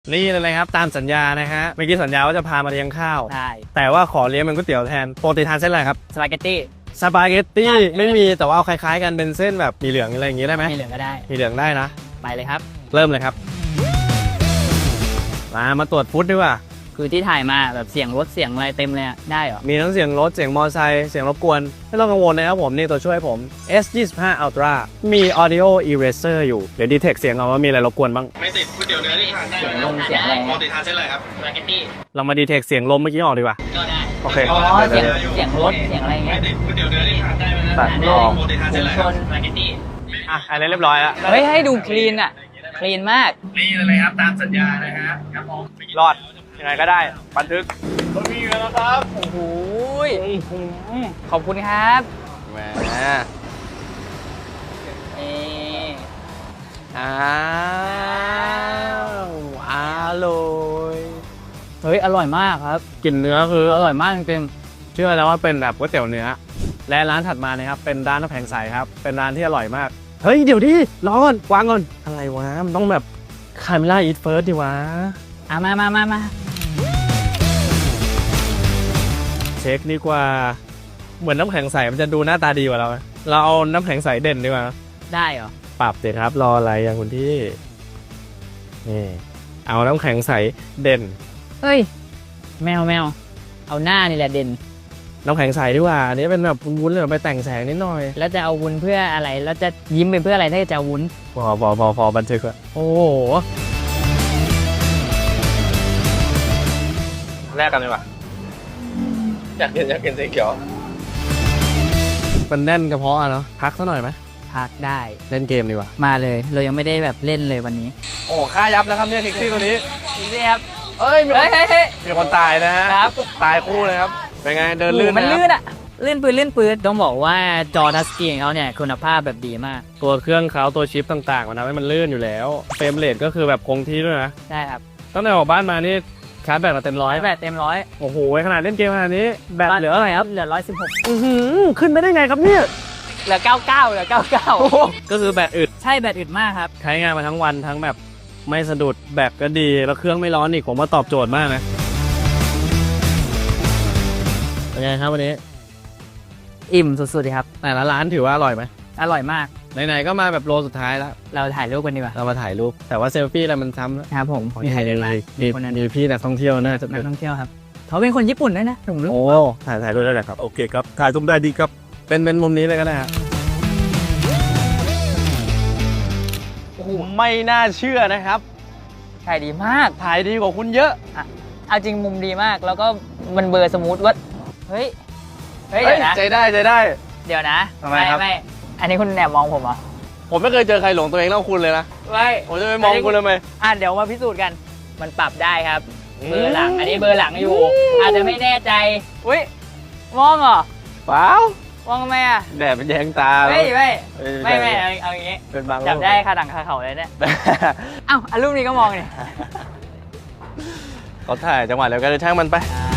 นี่เลยครับตามสัญญานะฮะเมื่อกี้สัญญาว่าจะพามาเลี้ยงข้าวใช่แต่ว่าขอเลี้ยงเป็นก๋วยเตี๋ยวแทนปกติทานเส้นอะไรครับสปาเกตตี้สปาเกตตี้ไม่มีแต่ว่าเอาคล้ายๆกันเป็นเส้นแบบมีเหลืองอะไรอย่างงี้ได้ไหมมีเหลืองก็ได้มีเหลืองได้นะไปเลยครับเริ่มเลยครับมาตรวจฟุตดีกว่าคือที่ถ่ายมาแบบเสียงรถเสียงอะไรเต็มเลยอะได้เหรอมีทั้งเสียงรถเสียงมอเตอร์ไซค์เสียงรบกวนไม่ต้องกังวลนะครับผมนี่ตัวช่วยผม S25 Ultra มี Audio Eraser อยู่เดี๋ยวดีเทคเสียงเอาว่ามีอะไรรบกวนบ้างไม่ติดก๋วยเตี๋ยวเนื้อที่ทานได้เลยลมเสียงอะไรปกติทานเส้นอะไรครับสปาเกตตี้เรามาดีเทคเสียงลมเมื่อกี้ออกดีกว่าก็ได้โอเคอ๋อเสียงรถเสียงอะไรเงี้ยไม่ติดก๋วยเตี๋ยวเนื้อที่ทานได้ไหมตัดออกปกติทานเส้นอะไรครับสปาเกตตี้อันนี้เรียบร้อยแล้วเฮ้ยให้ดูคลีนอะคลีนมากนี่เลยครับตามสัญญานะฮะครับผมรอดยังไงก็ได้บันทึกรถมีอยู่แล้วครับโอ้โหขอบคุณครับแหมอ้าวอร่อยเฮ้ยอร่อยมากครับกลิ่นเนื้อคืออร่อยมากจริงเชื่อแล้วว่าเป็นแบบก๋วยเตี๋ยวเนื้อและร้านถัดมานะครับเป็นร้านน้ำแข็งใสครับเป็นร้านที่อร่อยมากเฮ้ยเดี๋ยวดิรอก่อนวางก่อนอะไรวะมันต้องแบบคาเมล่าอีทเฟิร์สดิวะมาเช็คดีกว่าเหมือนน้ำแข็งใสมันจะดูหน้าตาดีกว่าเราเราเอาน้ำแข็งใสเด่นดีกว่าได้เหรอปรับเด็ดครับรออะไรอย่างคุณที่นี่เอาน้ำแข็งใสเด่นเฮ้ยแมวเอาหน้านี่แหละเด่นน้ำแข็งใสดีกว่าอันนี้เป็นแบบวุ้นเลยไปแต่งแสงนิดหน่อยแล้วจะเอาวุ้นเพื่ออะไรแล้วจะยิ้มไปเพื่ออะไรถ้าจะวุ้นพอบันทึกอะโอ้โหแรกกันเลยว่ะอยากกินสีเขียวมันแน่นกระเพาะอะเนาะพักสักหน่อยไหมพักได้เล่นเกมดีกว่ามาเลยเรายังไม่ได้แบบเล่นเลยวันนี้โอ้ค่ายับแล้วครับเนี่ยแท็กซี่ตัวนี้นี่ครับเอ้ยมีคนตายนะฮะครับตายคู่เลยครับเป็นไงเดินลื่นมันลื่นอะลื่นปืนต้องบอกว่าจอทัชสกรีนของเขาเนี่ยคุณภาพแบบดีมากตัวเครื่องเขาตัวชิปต่างๆมันทำให้มันลื่นอยู่แล้วเฟรมเรทก็คือแบบคงที่ด้วยนะใช่ครับตั้งแต่ออกบ้านมานี่ชาร์จแบตมาเต็มร้อยแบตเต็มร้อยโอ้โหขนาดเล่นเกมขนาดนี้แบตเหลืออะไรครับเหลือ 116ขึ้นไม่ได้ไงครับเนี่ยเหลือ99เหลือ99 ก็คือแบตอึดใช่แบตอึดมากครับใช้งานมาทั้งวันทั้งแบบไม่สะดุดแบตก็ดีแล้วเครื่องไม่ร้อนอีกผมว่าตอบโจทย์มากนะเป็นไงครับวันนี้อิ่มสุดๆครับแต่ละร้านถือว่าอร่อยไหมอร่อยมากไหนๆก็มาแบบโลสุดท้ายแล้วเราถ่ายรูปกันดีกว่าเรามาถ่ายรูปแต่ว่าเซลฟี่อะไรมันซ้ำแล้วครับผมมีใครยังไงมีพี่นักท่องเที่ยวน่าจะนักท่องเที่ยวครับเขาเป็นคนญี่ปุ่นด้วยนะผมรู้โอ้ถ่ายรูปได้เลยครับโอเคครับถ่ายรูปได้ดีครับเป็นมุมนี้เลยก็ได้ครับโอ้โหไม่น่าเชื่อนะครับถ่ายดีมากถ่ายดีกว่าคุณเยอะเอาจริงมุมดีมากแล้วก็มันเบอร์สมูทว่าเฮ้ยเดี๋ยวนะใจได้เดี๋ยวนะทำไมครับไม่อันนี้คุณแอบมองผมเหรอผมไม่เคยเจอใครหลงตัวเองเท่าคุณเลยนะไม่ผมจะไปมองคุณทำไมเดี๋ยวมาพิสูจน์กันมันปรับได้ครับเบอร์หลังอันนี้เบอร์หลังอยู่อาจจะไม่แน่ใจอุ้ยมองเหรอเปล่ามองทำไมอ่ะแดดมันแยงตาไม่เอาอย่างงี้เป็นบางจับได้คาดังคาเขาเลยเนี่ยรูปนี้ก็มองนี่เขาถ่ายจังหวะแล้วก็เลยช่างมันไป